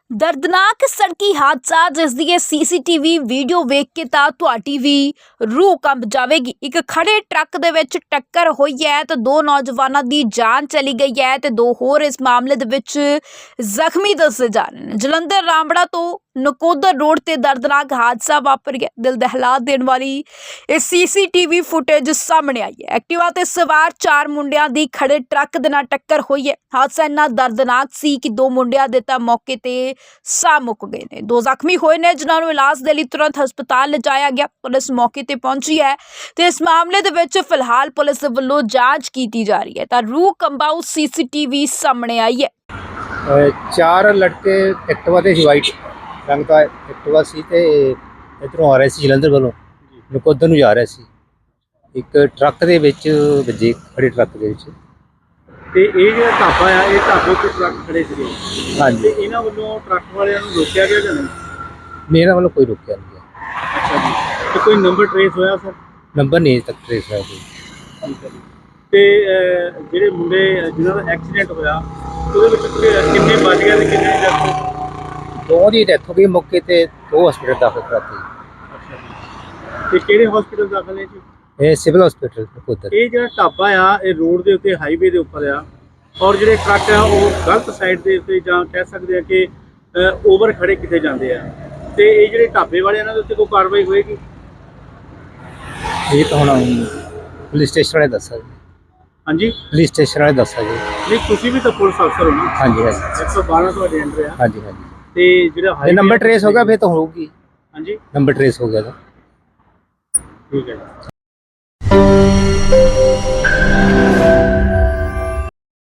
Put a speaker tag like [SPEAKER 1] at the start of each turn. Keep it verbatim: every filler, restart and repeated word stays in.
[SPEAKER 1] दर्दनाक सड़की हादसा जिस दी सीसीटीवी वीडियो वेख के तां तुहाडी भी रूह कंब जाएगी। एक खड़े ट्रक दे विच टक्कर हुई है तो दो नौजवानों की जान चली गई है तो दो होर इस मामले दे विच जख्मी दसे जा रहे हैं। जलंधर रामबड़ा तो नकोदर रोड ते दर्दनाक हादसा वापर गया। दिल दहला देने वाली इस सीसीटीवी फुटेज सामने आई है। एक्टिवा ते सवार चार मुंडियां दी खड़े ट्रक दे नाल टक्कर हुई है। हादसा इन्ना दर्दनाक सी कि दो मुंडियां दे तां मौके ते साह मुक गए ने, दो जख्मी होए ने जिन्हां नूं इलाज दे लई तुरंत हस्पताल लिजाया गया। पुलिस मौके ते पहुंची है ते इस मामले दे विच फिलहाल पुलिस वल्लों जांच कीती जा रही है तां रूह कंबाऊ सीसीटीवी सामने आई है।
[SPEAKER 2] चार लड़के एक्टिवा ते वाइट रंग का एक्टिवा सी ते इधरों आ रहे सी जलंधर वालों नकोदर नूं जा रहे सी। एक ट्रक दे विच वजे खड़े ट्रक दे विच
[SPEAKER 3] ਤੇ ਇਹ ਜਿਹੜਾ ਢਾਬਾ ਆ ਇਹ ਢਾਬੇ ਤੇ ਟਰੱਕ ਖੜੇ ਸੀਗੇ।
[SPEAKER 2] ਹਾਂਜੀ
[SPEAKER 3] ਤੇ ਇਹਨਾਂ ਵੱਲੋਂ ਟਰੱਕ ਵਾਲਿਆਂ ਨੂੰ ਰੋਕਿਆ ਗਿਆ ਜਾਂ ਨਹੀਂ?
[SPEAKER 2] मेरा वालों कोई रोकिया नहीं गया।
[SPEAKER 3] ਅੱਛਾ ਜੀ। ਤੇ ਕੋਈ ਨੰਬਰ ਟ੍ਰੇਸ ਹੋਇਆ ਸਰ?
[SPEAKER 2] नंबर नहीं अजे तक ट्रेस होया कोई।
[SPEAKER 3] ਠੀਕ ਹੈ ਜੀ। ਤੇ ਅਹ, ਜਿਹੜੇ ਮੁੰਡੇ ਜਿਨ੍ਹਾਂ ਦਾ ਐਕਸੀਡੈਂਟ ਹੋਇਆ ਉਹਦੇ ਵਿੱਚ ਕਿ- ਕਿੰਨੇ ਬਚ ਗਏ ਤੇ ਕਿੰਨੇ ਡੈਥ ਹੋ ਗਈ?
[SPEAKER 2] दो दी डेथ हो गई मौके ते, दो हॉस्पिटल दाखिल कराते।
[SPEAKER 3] ਅੱਛਾ ਜੀ। ਤੇ ਕਿਹੜੇ ਹਸਪੀਟਲ ਦਾਖਲ ਨੇ ਜੀ?
[SPEAKER 2] ये सिविल हॉस्पिटल नकोदर।
[SPEAKER 3] ਇਹ ਜਿਹੜਾ ਢਾਬਾ ਆ ਇਹ ਰੋਡ ਦੇ ਉੱਤੇ ਹਾਈਵੇ ਦੇ ਉੱਪਰ ਆ ਔਰ ਜਿਹੜੇ ਟਰੱਕ ਆ ਉਹ ਗਲਤ ਸਾਈਡ ਦੇ ਉੱਤੇ ਜਾਂ ਕਹਿ ਸਕਦੇ ਆ ਕਿ ਓਵਰ ਖੜੇ ਕਿਤੇ ਜਾਂਦੇ ਆ ਤੇ ਇਹ ਜਿਹੜੇ ਢਾਬੇ ਵਾਲੇ ਇਹਨਾਂ ਦੇ ਉੱਤੇ ਕੋਈ ਕਾਰਵਾਈ ਹੋਏਗੀ?
[SPEAKER 2] ये तो हुण पुलिस स्टेशन वाले दस्सा जी।
[SPEAKER 3] ਹਾਂਜੀ
[SPEAKER 2] पुलिस स्टेशन वाले दस्सा जी।
[SPEAKER 3] ਨਹੀਂ ਤੁਸੀਂ ਵੀ ਤਾਂ ਪੁਲਿਸ ਅਫਸਰ ਹੋ ਨਾ।
[SPEAKER 2] हाँ जी हाँ जी
[SPEAKER 3] ਇੱਕ ਸੌ ਬਾਰਾਂ ਤੁਹਾਡੇ ਅੰਡਰ ਆ
[SPEAKER 2] हाँ जी हाँ जी।
[SPEAKER 3] ਤੇ ਜਿਹੜਾ
[SPEAKER 2] ये नंबर ट्रेस होगा फिर तो होगी।
[SPEAKER 3] ਹਾਂਜੀ
[SPEAKER 2] नंबर ट्रेस हो गया था।
[SPEAKER 3] ਠੀਕ ਹੈ ਜੀ।